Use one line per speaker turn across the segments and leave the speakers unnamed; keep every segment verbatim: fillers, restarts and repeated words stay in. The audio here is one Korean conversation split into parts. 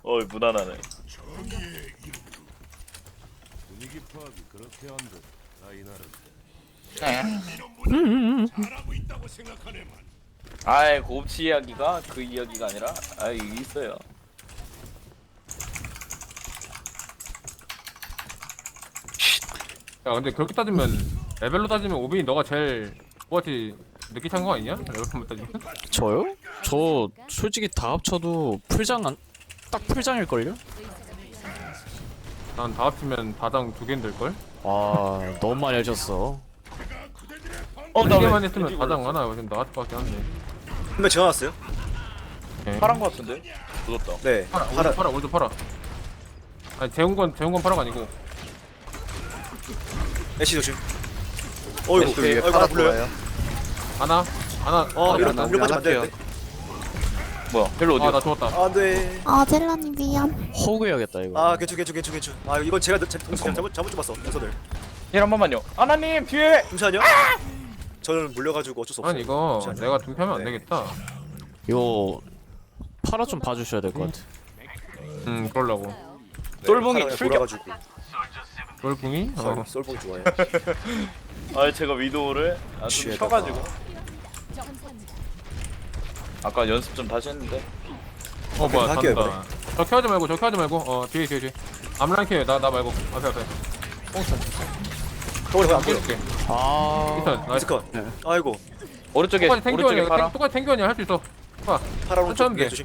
어이 무난하네.
분위기 파악이 그렇게 안 돼. 아이나를
아이 곱치 이야기가 그 이야기가 아니라 아이 있어요.
야 근데 그렇게 따지면 레벨로 따지면 오빈이 너가 제일 뭐지 늦게 찬 거 아니냐? 레벨로 따지면?
저요? 저 솔직히 다 합쳐도 풀장 안, 딱 풀장일걸요?
난 다 합치면 다당 두 개인들걸?
아 너무 많이 해줬어.
어,
한
나
개만
왜
했으면
왠지
다당
몰랐어.
하나 요즘 나같을 것 같긴 한데
한명 지어놨어요?
오케이.
파란 거 같은데? 묻었다.
네.
팔아
파라.
오른쪽 팔아 오른쪽 팔아 아니 재운 건 재운 건 팔아가 아니고
애쉬 조심. 어이구,
애쉬 위에
어이구, 하나 불러요.
하나 하나
어, 이런
나
이런 빠지면 안 되는데.
뭐야? 별로 어디야?
아나 죽었다
안 돼.
아 젤라님 미안.
호그 해야겠다 이거.
아, 괜찮, 괜찮, 괜찮, 괜찮. 아, 이건 제가 제 동생 잘못 잘못 잡았어. 동선을.
힐한 번만요. 아나님 뒤에.
잠시만요. 저는 물려가지고 어쩔 수 없어요.
아니 이거
잠시만요.
내가 좀 펴면 안
네.
되겠다
이거 파라 좀 봐주셔야 될 것 같아.
음 그러려고
네,
똘봉이
파라가
출격.
돌아가지고.
돌궁이? 어
썰- 썰봉이 좋아해.
아 제가 위도우를 아, 좀
취해다가.
쳐가지고. 아까 연습 좀 다시 했는데.
어 뭐야
할게요,
간다 저 켜하지 말고 저 켜하지 말고 어 뒤에 뒤에 뒤에 암라인 켜요 나, 나 말고 앞에 앞에
거울
안
안 보여.
깨줄게
아
일단 나이스
미스컷. 아이고,
오른쪽에
똑같이
오른쪽에
탱교원이야
파라.
똑같이 탱교원이야 할 수 있어 봐
파라 오른쪽
천천히
뒤에
돼.
조심.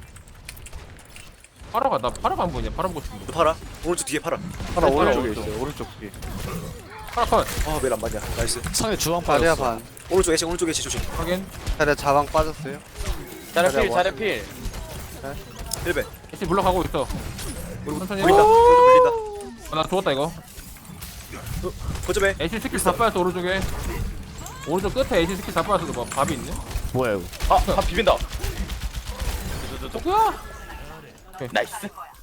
파라가 나 파라가 안 보이냐 파라 보고 싶은데
또 파라. 오른쪽 뒤에 파라.
하나
네,
오른쪽에
오른쪽.
있어요. 오른쪽 뒤에.
파라 컷
아, 왜 안 맞냐? 나이스.
상대 주황
자리야
빠졌어.
반.
오른쪽 애쉬, 오른쪽 애쉬 조심.
확인
자리야 자방 빠졌어요.
자레필 자레필.
힐벤.
애쉬 물러가고 있어 천천히
물린다.
해봐
오른쪽 물린다.
어, 나 죽었다 이거
거점에.
애쉬 스킬 다 빠졌어 오른쪽에 오른쪽 끝에 애쉬 스킬 다 빠졌어 뭐 밥이 있네?
뭐야 이거?
아, 다 비빈다.
뭐야?
나이스.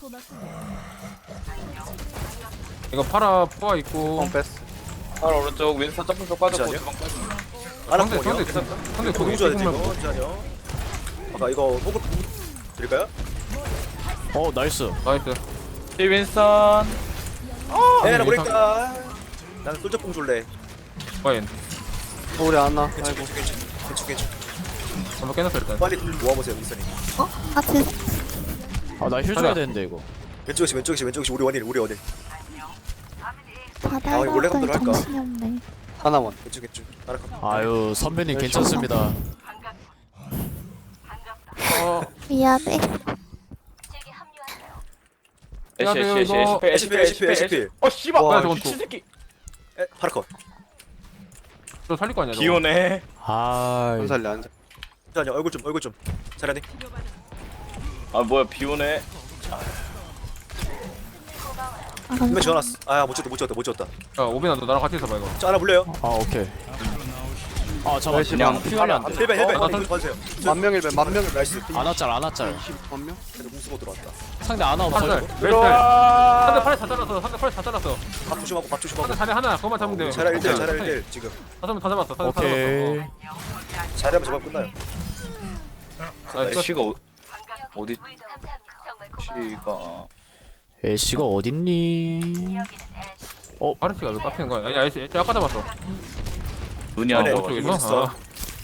이거 파라 포화 있고
펑 뺐어.
파라 오른쪽 왼손 점프 쪽 빠졌고
잠시만요.
주방 빠졌고.
아나
상대 상대
공이요.
상대
너무
거기
좋아야 돼,
지금만
이거. 잠시만요. 아까 이거 호구 드릴까요?
어 나이스.
나이스
뒤 윈선.
네, 나
이상-
모르겠다. 나는 솔저뽕 줄래.
과연
우리 안 나.
괜찮,
아이고.
괜찮, 괜찮. 괜찮, 괜찮.
한번 깨놨어 일단
빨리 모아보세요, 윈선이.
어? 아 죄송.
아나 힐 줘야 되는데 이거.
왼쪽 애쉬, 왼쪽 애쉬, 왼쪽 애쉬. 우리 원일, 우리 원일.
바다에
이거 원래
갔더니
감도로 할까?
정신이 없네.
하나만.
왼쪽 왼쪽. 알아.
아유 선배님 괜찮습니다.
어
미안해.
애쉬 애쉬 애쉬
이거-
애쉬 필 애쉬 필 애쉬 필. 어 씨발.
와,
저건
미친
또.
새끼.
에, 파라컷.
저 살릴 거 아니야 저거
기오네.
아
안 살려 안 살려.
잠시만요, 얼굴 좀, 얼굴 좀. 잘하네.
아 뭐야 비오네.
아
분명
감사합니다.
지어놨어. 아, 못 찍었다, 못 찍었다, 못 찍었다.
야 오빈아 너 나랑 같이 있어봐 이거
저 하나 물려요.
아 오케이. 아 잠깐
열심히
그냥
안-
피 관리 안 돼.
힐벤, 힐벤.
어, 나
이거 봐주세요.
만명 일배 만명 일배.
나이스.
아나짤 아나짤.
만 명?
그래도 공수고 들어왔다.
상대 아나
파라
없어.
잘 웨스트 상대 팔에 다 잘랐어 상대 팔에 다 잘랐어
밥 조심하고, 밥 조심하고.
상대 자리 하나 그거만 잡으면 돼
잘할 일대, 잘할 일대 지금.
다 잡으면 다 잡았어 다 잡았어
오케이.
어.
잘하면 저만 끝나요.
나이스
애쉬가 어, 어디? 애쉬가
애쉬가 어딨니?
파르시가 왜 깎이는 거야 아니 아니 아까 잡았어
눈이
아,
안
네.
좋아.
오른쪽에서
있어.
아.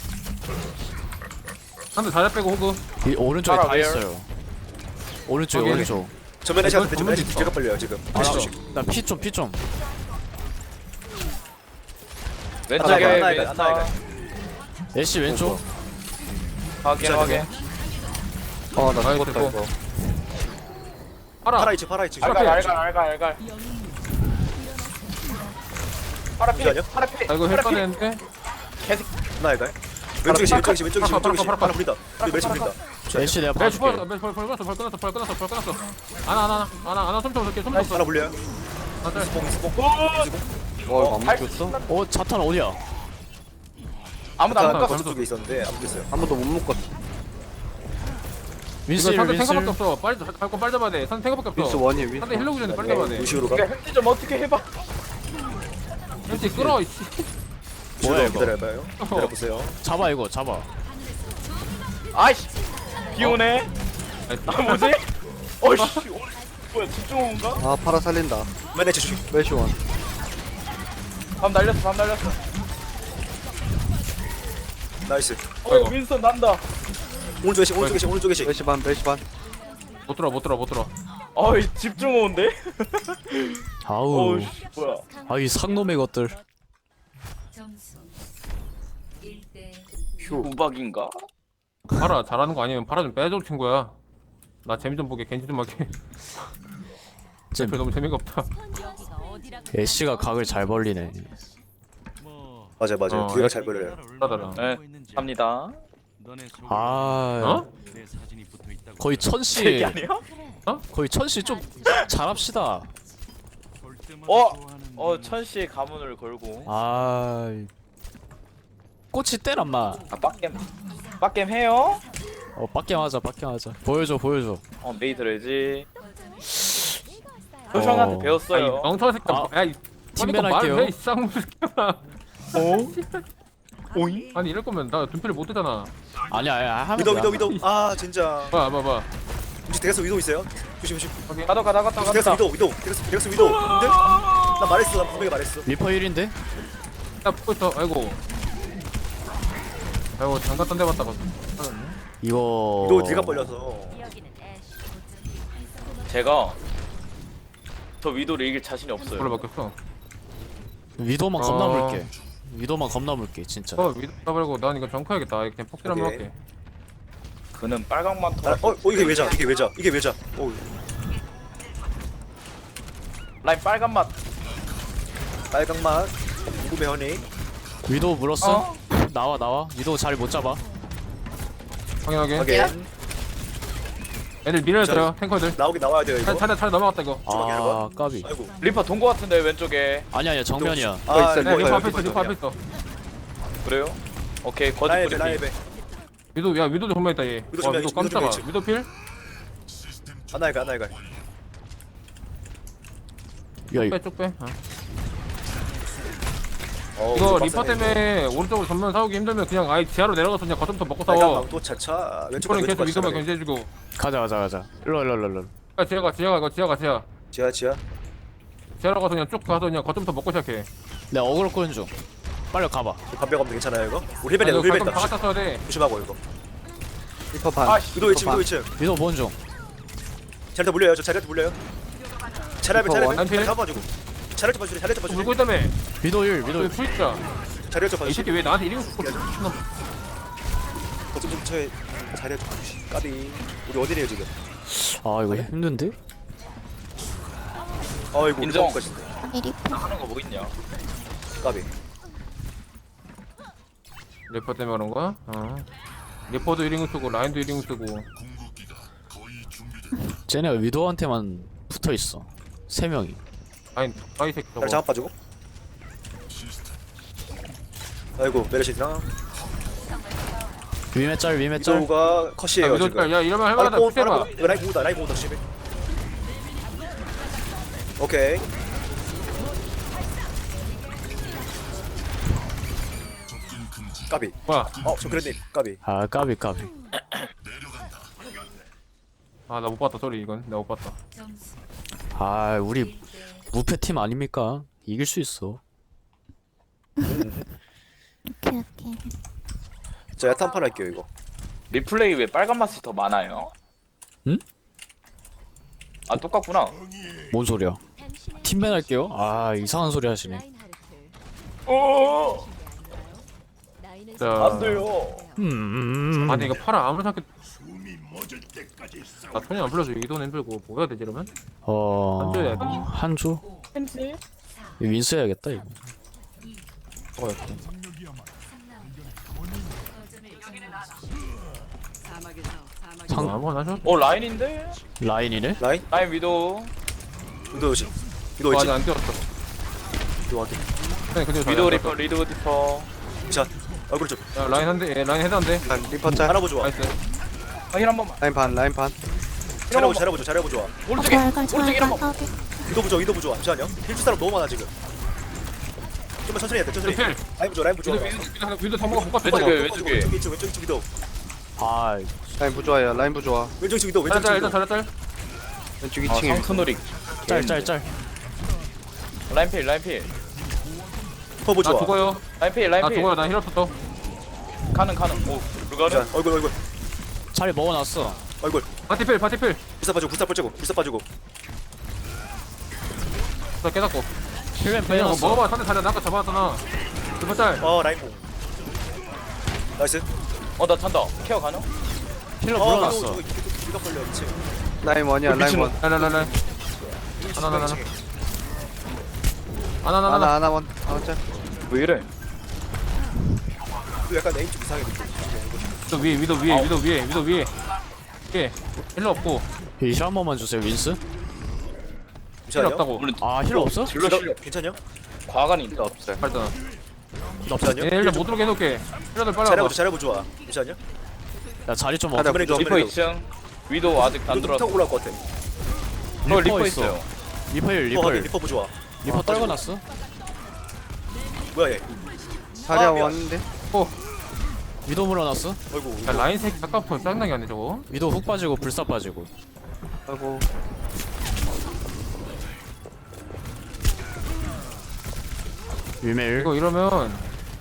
상대 자리 빼고 호그
이 오른쪽에
파라
다
where?
있어요. 오른쪽에
오케이.
오른쪽.
전면에
이건
샷, 전면에
전문이 있어.
제가 빨려요 지금.
아,
애쉬 조심.
나 피 좀 피 좀.
왼쪽에
하나, 하나,
윈선.
하나,
애쉬 왼쪽.
확인 확인.
어나
아이,
죽었다
됐고.
이거.
파라
파라 이치, 파라 이치.
알갈 알갈 알갈 알갈. 파라 필.
잠시만요.
파라 필.
아 이거 헬
파라 필.
빠졌는데
하나 할까요? 왼쪽에 시, 왼쪽에 시, 왼쪽에 시,
파라,
왼쪽에 시.
파라, 파라,
하나 불린다. 우리 멜치 불린다.
애쉬 내가
네
봐줄게.
죽었어 벌 끊었어 벌 끊었어 벌 끊었어 벌 끊었어 하나 하나 하나 하나 손좀 올게 손좀
하나 불려요.
하나 짤
스봉, 스봉.
어 이거 안 묶였어?
어 자탄 어디야?
아무도 안
아까
깎아.
거점 쪽에 있었는데 안 됐어요.
아무도 못 묶었어.
이거
윈슬
상대
윈슬.
탱커밖에 없어 빨리 갈거 빨리 잡아야 돼 상대 탱커밖에
윈스
없어
원이 윈스.
상대 힐러구 전에 빨리
네,
잡아야 돼
루시오로 가.
그러니까 햄찌 좀 어떻게 해봐.
왠지 끌어 이씨
뭐야,
루시오로
이거?
기다려봐요. 기다려보세요.
잡아 이거 잡아.
아이씨. 비오네. 아 뭐지? 어이씨 어, 뭐야 집중호인가?
아 파라 살린다.
맨날 조심.
메시원.
밤 날렸어 밤 날렸어.
나이스.
어 윈스턴 난다.
오른쪽 계시 오른쪽 계시 오른쪽 계시.
메시 반 메시 반.
못 들어 못 들어 못 들어.
어이 집중호인데?
아우
어이씨 뭐야.
아이 상놈의 것들.
우박인가?
파라 잘하는 거 아니면 파라 좀 빼줘 친구야. 나 재미 좀 보게 겐지 좀 하게.
쟤
쟤 너무 재미가 없다.
애쉬가 각을 잘 벌리네.
뭐
맞아 맞아.
어,
뒤가
야.
잘 걸려요.
따다라.
네 갑니다.
너네 속에
아
어?
내 사진이 붙어 있다고.
거의
이게
천씨
아니야?
거의 천씨 좀 잘합시다.
볼 때마다
어?
좋아하는
어
눈.
천씨의 가문을 걸고.
아 꽃이 때란마.
아 빡겜 빡겜 해요?
어 빡게 하자 빡게 하자. 보여줘 보여줘.
어 메이 들어야지. 효성한테
어.
배웠어요.
아이 멍청한 새끼.
아,
야, 이
팀맨
말을
할게요.
해, 이 쌍무 새끼야.
어? 오잉?
아니 이럴 거면 나 둔필을 못 뜨잖아.
아니야 아니야 하면
위도
돼.
위도 위도. 아 진짜.
봐봐 봐봐.
혹시 대가서 위도 있어요? 조심 조심.
가다 가다 가다
대가서
가다.
위도 위도. 대가서 대가서 위도. 근데 나 말했어. 나 분명히 말했어.
리퍼 일인데?
야 붙고 있어. 아이고. 아이고 잠깐 딴 데 봤다가.
이거
위도 뒤가 벌려서.
제가 저 위도를 이길 자신이 없어요.
별로 바뀌었어.
위도만
어.
겁나 물게. 위도만 겁나 물게 진짜.
어 위도 말고 난 이거 정크해야겠다. 그냥 폭딜 한번
오케이.
할게.
그는 빨강만
아,
터.
어, 어 이게 왜자? 이게 왜자? 이게 왜자? 어,
라인 빨간 맛.
빨강 맛. 궁금해 허니.
위도 물었어?
어?
나와 나와. 위도 자리 못 잡아.
확인하게.
확인.
애들 밀어들어 탱커들.
나오긴 나와야 돼요 이거.
차례 차례 차례 넘어갔다 이거.
아 까비.
아이고.
리퍼 돈 거 같은데 왼쪽에.
아니 아니야 정면이야.
아,
있어,
네, 리퍼
이거
앞에 있어 리퍼 앞에 있어.
그래요? 오케이 거짓
라이베
뿌리기.
라이베.
위도 야 위도도 정말 있다 얘.
위도
와
정면
위도
있지, 위도
깜짝아.
정면 있지.
위도 필?
하나이가 하나이가.
야 이거
빼 쭉 빼. 어.
어,
이거
좀
리퍼
빡세네,
때문에 오른쪽으로 전면 싸우기 힘들면 그냥 아예 지하로 내려가서 그냥 거점부터 먹고
빨강
싸워.
망토 차차. 왼쪽
이번엔 계속
왼쪽
위도만
왼쪽
견제해주고.
가자 가자 가자. 일로 일로 일로 일로.
아 지하가 지하가 이거 지하가 지하.
지하 지하.
지하로 가서 그냥 쭉 가서 그냥 거점부터 먹고 시작해.
내가 어그로 끄는 중. 빨리 가봐.
반백 없는 괜찮아요 이거? 우리 힐벤이야
이거
우리
가끔
힐벤이다.
다 갖다 써야 돼.
조심하고 이거.
리퍼 반.
아
위도 일 층 위도 일 층.
위도 보는 중.
자리한테 물려요. 저 자리한테 물려요. 자리한테
리퍼
자리한테
원한필?
잡아주고. 자리한테 봐주래. 자리한테
또
봐주래.
물고 있다며.
위도 일 위도
너
일.
풀있자.
자리한테
이
봐주래.
새끼 왜 나한테 이름 붙고 미친놈.
거점 좀 쳐에 자리한테 봐주시. 까비. 우리 어디래요 지금?
아 이거 힘든데?
아이고
인정.
리퍼 것인데.
아니 리퍼.
하는 거 뭐 있냐?
까비.
리퍼 때문에 그런 거야? 어. 리퍼도 일 인공 쓰고 라인도 일 인공 쓰고.
쟤네가 위도한테만 붙어 있어. 세 명이.
아니 아이 새끼 저거.
자리 장악 봐주고. 아이고 메르시나.
위메 짤 위메 짤.
위도우가
야,
컷이에요
위도
지금.
야 이러면
아,
할만하다.
뽕,
푸시해봐.
뽕, 뽕. 라인 공다 라인 공다 십일. 오케이. 까비.
뭐야?
어, 저 그랬네. 까비.
아 까비 까비.
아 나 못 봤다 소리 이건 내가 못 봤다.
아 우리 무패 팀 아닙니까? 이길 수 있어.
오케이 오케이.
저 야탄 판 할게요 이거.
리플레이 왜 빨간 맛이 더 많아요?
응?
아 똑같구나.
뭔 소리야? 팀맨 할게요. 아 이상한 소리 하시네.
어.
자.
안 돼요.
음, 음, 음.
아니 이거 팔아 아무리 생각해. 나 손이 안 불러서 이돈 힘들고 뭐 해야 되지 이러면?
어
한조야 돼.
한조?
햄스?
윈스 해야겠다 이거.
먹어야겠다.
상
어, 아무거나 하셔.
어 라인인데?
라인이네?
라인.
라인 위도.
위도 씨. 위도
어,
있지.
아직 안 뛰었어.
위도 확인.
그냥 그대로
위도
잘
리퍼 리도 리퍼.
자. 얼굴 좀.
야 라인 한대 예, 라인 헤드 한대.
반 리퍼 짤.
잘해보 좋아.
나이스.
아힐 한 번만.
라인 반 라인 반.
잘해보 잘해보 잘해보 좋아.
오른쪽에
아, 잘, 잘,
오른쪽에
잘,
한 번.
잘,
위도 부좋아 위도 부좋아. 잠시만요. 힐줄 사람 너무 많아 지금. 좀만 천천히 해야 돼 천천히.
필.
라인 부좋아 라인 부좋아.
위도 위도 위도 다 먹어 못 갔어.
왼쪽에,
저거.
왼쪽에.
왼쪽 왼쪽 왼쪽 왼쪽 위도.
아
라인 부좋아요. 라인 부좋아.
왼쪽 위도 왼쪽
잘했다
위도.
일단 잘했다.
왼쪽
아
이 층에
성크놀이
짤짤짤.
라인필 라인필
리퍼
나
좋아.
죽어요.
라인필
나
라인필
죽어요. 나 힐 없었어.
가는 가는 오
자,
루가는
얼굴 얼굴
자리 먹어놨어.
얼굴.
파티필 파티필.
불사 빠지고 불사 빠지고 불사 빠지고.
나 깨닫고.
힐맨
그냥 뭐
빼놨어.
먹어봐. 상대 자리 나 아까 잡아놨잖아. 두번 짤.
어 라인 공. 나이스.
어나 찬다 케어 가능?
힐러
어
물어놨어.
저거 이거 걸려 미친.
라인 원이야 라인 원.
라라라라. 하나 하나 하나. 하나 하나
하나
하나.
하나 원. 하나 짤.
왜 이래?
이거 약간 에임 좀 이상해 느낌.
위도 위에 위도 위에 위도 위에 위도 위에. 위에. 힐러 없고.
힐한 번만 주세요 윈스.
힐
잠시만요.
없다고.
오늘
아 힐러 없어?
딜러 실력
괜찮냐?
과간이 있다
없어요.
발전.
잠시만요.
얘 일단 못 들어오게 해놓을게. 힐러들 빨리 와봐.
잘해보자 잘해보 좋아. 잠시만요.
야 자리 좀
자리
없어.
그래,
리퍼
그래.
이 층 위도 아직 안
리퍼
들어왔어
타고 올라올 것 같아.
어 리퍼
리퍼 있어.
있어요
리퍼 힐
리퍼
리퍼
확인
힐.
리퍼 좋아.
리퍼 떨궈놨어.
뭐야 얘?
자리야
아, 미안.
원인데.
위도 물어놨어.
어이구.
야, 라인 새끼 아까부터 짱나게 하네 저거.
위도 훅 빠지고 불사 빠지고.
아이고.
위메일.
이거 이러면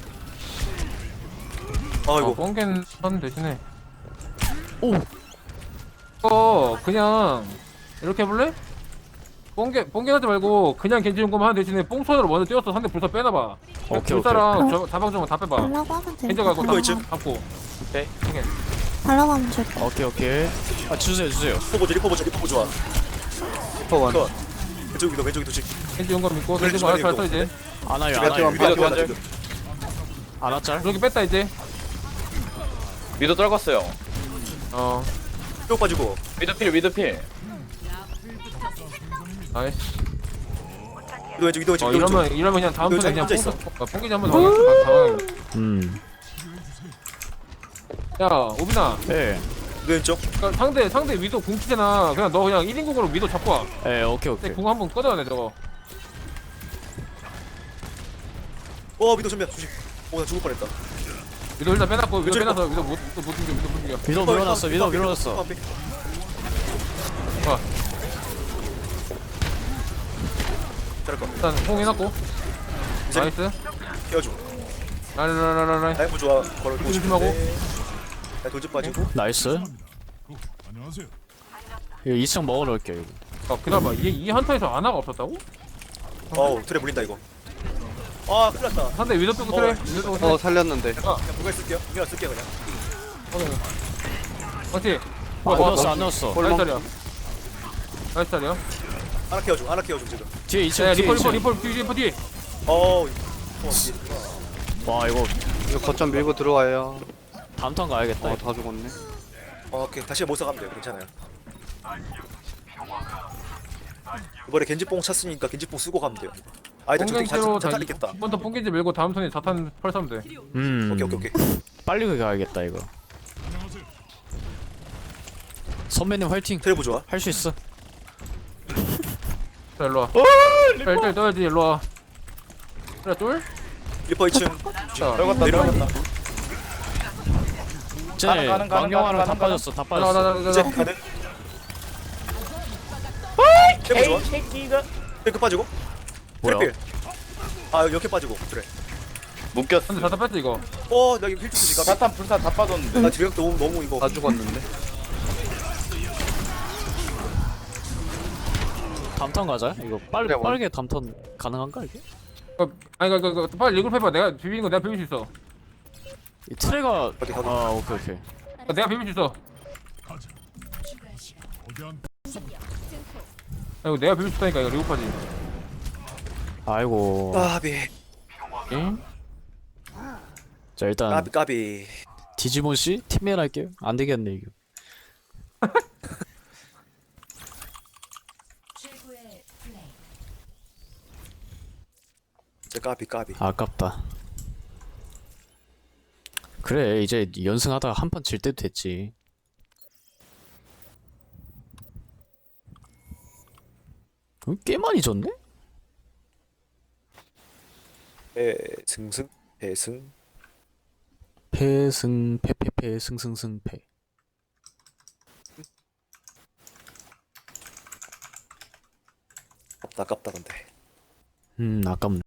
아이고.
어, 뻥겐 선 대신에
오.
어 그냥 이렇게 해볼래? 뻥겐 뻥겐 하지 말고 그냥 겐지 용검 하는 대신에 뽕손으로 먼저 뛰어서 상대 불사 빼놔봐.
오케이,
불사랑
오케이.
저 다방정은 다 빼봐.
달라고 하면 돼.
겐지 가고
이거 있지?
다 잡고.
오케이.
뻥겐.
달라고 하면 줄게.
오케이 오케이. 아 주세요 주세요.
리퍼 보자 리퍼 보자 리퍼 좋아.
리퍼 원.
컷. 왼쪽 위도 왼쪽 위도 지.
겐지 용검 믿고
그래,
겐지 뭐 알아서
주말에
써 이제.
아나요
집에
아나요.
좀
위도
위도
완전
위도.
아나짤.
이렇게 뺐다 이제.
위도 떨궜어요
어
쭉 빠지고.
위도필 위도필
나이스.
위도 왼쪽 위도 왼쪽
어
위도 왼쪽.
이러면 이러면 그냥 다음
이거
턴에 그냥
혼자 있어.
뽕 뽕기지 한번 더 당황.
음.
야 오빈아.
예.
위도 왼쪽.
그러니까 상대 상대 위도 궁치잖아. 그냥 너 그냥 일 인국으로 위도 잡고 와.
예 오케이
근데
오케이.
궁 한번 꺼져야 돼 저거.
어 위도 전면 조심. 오나 죽을 뻔했다.
위도 일단 빼놨고 위도
왼쪽에
빼놔서 위도 못 못 움직여 위도 못 움직여.
위도 물어놨어 위도 물어놨어.
봐
잘할 거.
일단 뽕 해놨고.
이제
나이스.
깨워줘.
라라라라라.
라이브 좋아. 걸어 보고
조심하고.
싶은데. 나 돌집 빠지고.
나이스.
안녕하세요.
이거 이 층 먹어놓을게 이거.
아 기다려봐. 이게 이 한타에서 아나가 없었다고?
어우 트레 물린다 이거. 아 큰일 났다.
상대 위도 빼고
어.
그래. 위도 빼고 그래.
어 살렸는데.
그냥 부가 쓸게요. 이거 쓸게요 그냥.
맞지?
안 넣었어 안 넣었어.
나이스 자리야. 나이스 자리야.
하나 케어줘. 하나 케어줘 지금.
뒤에 이 층
야
뒤에
리퍼
이
리퍼
층.
리퍼 뒤 리퍼 뒤.
어우. 어, 이게-
와 이거
이거 거점 밀고 들어와요.
다음 턴 가야겠다.
어
이거.
다 죽었네.
어, 오케이 다시 못 사가면 돼요. 괜찮아요. 이번에 겐지뽕 찼으니까 겐지뽕 쓰고 가면 돼요. 아이들 저기
뽕겐지로
자탄 있겠다.
이번 턴 뽕겐지 밀고 다음 턴에 자탄 펄 사면 돼.
음.
오케이 오케이 오케이.
빨리 가야겠다 이거. 선배님 화이팅.
트레브 좋아.
할 수 있어.
자 일로 와. 자 일단 떠야지 일로 와. 그래 쫄?
리퍼 이 층.
자
떨궜다 떨궜다
쟤
가는, 가는, 가는,
망령아랑 다
가는,
빠졌어 다
나나
빠졌어.
나 나
이제
나.
가는. 트레브 좋아.
새끼가
트레 빠지고.
뭐야?
트레필. 아 이렇게 빠지고 트레.
묶였어
근데 자탄 뺐지 이거.
어나 이거 힐 주지. 나,
사탄 불사 다 빠졌는데
나 지금 너무 너무 이거.
다 죽었는데.
다음 턴 가자. 이거 빨리
그래, 원.
빠르게 다음 턴 가능한가 이게?
어, 아니 그, 그, 그 빨리 리그룹 해봐. 내가 비비는 거 내가 비빌 수 있어.
이 트레가
어디 가도.
아 오케이 오케이.
아, 내가 비빌 수 있어.
거대한
아이고 내가 비빌 수 있다니까 이거 리그룹하지.
아이고.
까비
응?
자 일단
까비 까비.
디지몬 씨 팀메일 할게요. 안 되겠네 이거.
진짜 까비 까비.
아깝다. 그래 이제 연승하다가 한 판 질 때도 됐지. 어, 꽤 많이 졌네?
에 승승 배승.
패승 패패패 승승승 패.
아깝다 아깝다 근데.
음 아깝네.